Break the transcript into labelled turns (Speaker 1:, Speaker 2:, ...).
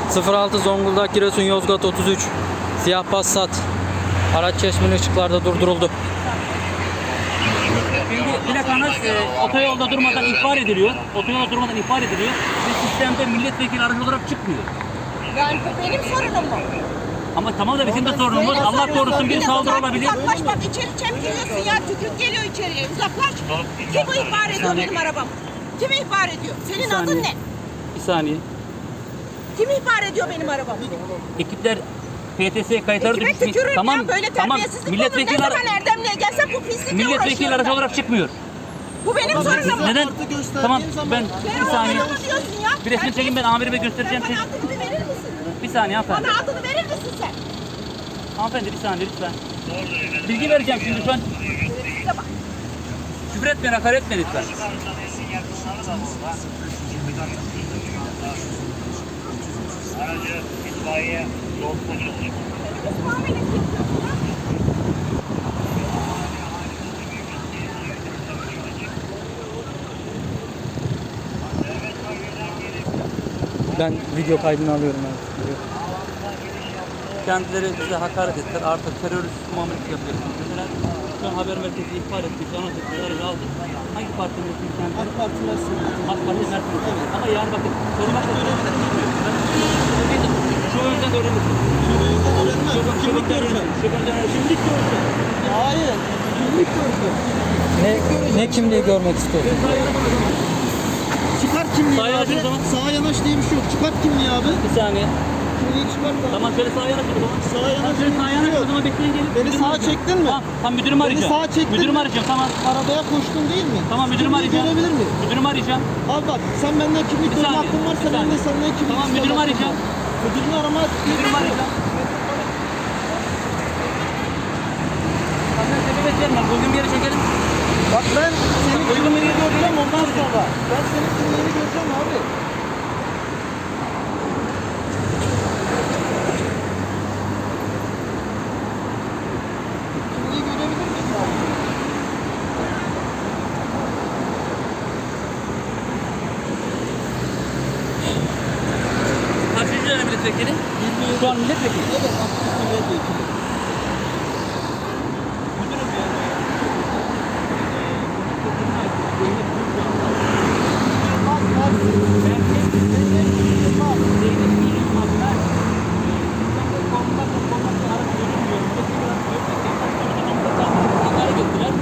Speaker 1: 06 Zonguldak Giresun Yozgat 33 siyah Passat araç çeşmeli ışıklarda durduruldu.
Speaker 2: Şimdi plakanız otoyolda durmadan ihbar ediliyor. Otoyolda durmadan ihbar ediliyor. Ve sistemde milletvekili aracı olarak çıkmıyor.
Speaker 3: Yani bu benim sorunum mu?
Speaker 2: Ama tamam da bizim de sorunumuz. Allah korusun bir saldırı olabilir.
Speaker 3: Uzaklaş bak, içeri çemkiriyorsun ya, tükürük geliyor içeriye, uzaklaş. Kim bu ihbar ediyor benim arabam? Kim ihbar ediyor? Senin adın ne?
Speaker 2: Bir saniye.
Speaker 3: Kim ihbar ediyor benim arabamı?
Speaker 2: Ekipler PTS kayıtları
Speaker 3: Kime
Speaker 2: düşmüş.
Speaker 3: tükürürüm
Speaker 2: Tamam,
Speaker 3: ya, böyle
Speaker 2: tamam.
Speaker 3: terbiyesizlik olur. Ne
Speaker 2: Milletvekili,
Speaker 3: zaman Erdemli'ye gelsem bu pislikle
Speaker 2: milletvekili
Speaker 3: uğraşıyorum
Speaker 2: aracı
Speaker 3: ben.
Speaker 2: olarak çıkmıyor.
Speaker 3: Bu benim sorunum mu?
Speaker 2: Neden? Tamam ben
Speaker 3: Sen
Speaker 2: bir saniye.
Speaker 3: onu diyorsun ya.
Speaker 2: Bir resmi çekin, ben amirime göstereceğim.
Speaker 3: Sen bana adını bir verir misin?
Speaker 2: Bir saniye hanımefendi.
Speaker 3: Bana adını verir misin sen?
Speaker 2: Hanımefendi bir saniye lütfen. Bilgi vereceğim şimdi şu an.
Speaker 3: Size bak.
Speaker 2: Küfür etmeyin, hakaret etmeyin lütfen.
Speaker 4: Aracı itfaiye yol polisi.
Speaker 3: Muamelesi yapıyorsun ha?
Speaker 1: Ben video kaydını alıyorum abi.
Speaker 2: Kendileri bize hakaret ettiler. Artık terörist muamelesi yapacaksınız. Mesela şu an haber merkezi ihbar ettik. Anons ettik. Aracı aldık. Hangi partinin resmi kendileri? AK Parti Mersin. AK Parti Mersin. Evet. Ama yarın bakın. Sormak da şu önden öğrenirsin. Şubeden öğrenirsin. Kimlik görsün.
Speaker 5: Hayır. Kimlik görsün.
Speaker 1: Ne kimliği görmek istiyorsun?
Speaker 5: Çıkart kimliği
Speaker 2: Sağa yanaş
Speaker 5: abi.
Speaker 2: o zaman.
Speaker 5: Sağa yanaş diye bir şey yok. Çıkart kimliği abi.
Speaker 2: Bir saniye.
Speaker 5: Kimliği çıkart abi.
Speaker 2: Tamam şöyle sağa yanaş o zaman.
Speaker 5: Sağa yanaş.
Speaker 2: Şöyle sağa yanaş o zaman, bekleyin gelin.
Speaker 5: Beni
Speaker 2: Müdürümü
Speaker 5: sağa
Speaker 2: arayacağım.
Speaker 5: çektin mi?
Speaker 2: Tamam, tamam müdürümü arayacağım.
Speaker 5: sağa çektin
Speaker 2: Müdürümü
Speaker 5: mi?
Speaker 2: arayacağım, tamam.
Speaker 5: Arabaya koştun değil mi?
Speaker 2: Tamam müdürümü
Speaker 5: Kimliği
Speaker 2: arayacağım.
Speaker 5: görebilir miyim?
Speaker 2: Müdürümü arayacağım.
Speaker 5: Abi bak, sen benden kimlik
Speaker 2: Bir
Speaker 5: görme
Speaker 2: saniye,
Speaker 5: hakkın varsa
Speaker 2: bir
Speaker 5: ben de
Speaker 2: saniye.
Speaker 5: senden kimlik
Speaker 2: Tamam,
Speaker 5: isteme
Speaker 2: müdürümü
Speaker 5: hakkım
Speaker 2: arayacağım.
Speaker 5: var. Müdürünü arama.
Speaker 2: Müdürümü arayacağım. Senden sebebiyet vermem. Uygun bir yere çekelim.
Speaker 5: Bak ben senin
Speaker 2: Uygun bir yere
Speaker 5: göreceğim
Speaker 2: çekelim.
Speaker 5: ondan sonra. Ben senin kimliğini göreceğim abi. Kimliği görebilir miyim abi?
Speaker 2: Kaçıncı dönem milletvekili? Şu an milletvekili.
Speaker 5: Evet, aktif milletvekili.